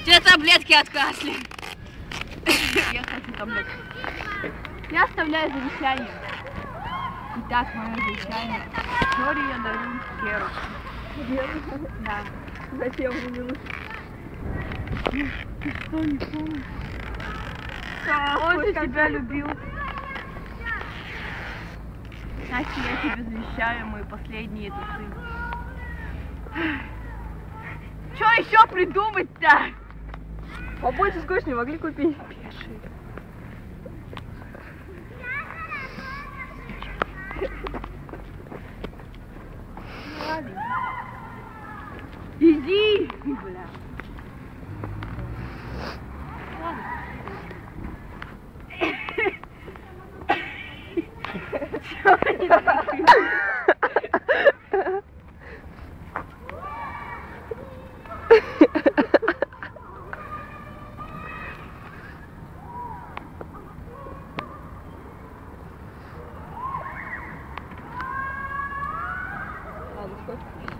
Тебе таблетки от кашля. Я хочу таблетки. Я оставляю завещание. Итак, мое завещание. Нори я дарю Геру. Да. Зачем мне нужно? Ты что, не помнишь? Он же тебя любил. Настя, я тебе завещаю мои последние трусы. Что еще придумать-то? Побольше скотч не могли купить. Пиши. Ладно. Иди! Бля. Ладно. Чё они закрыли? Ладно, скотч.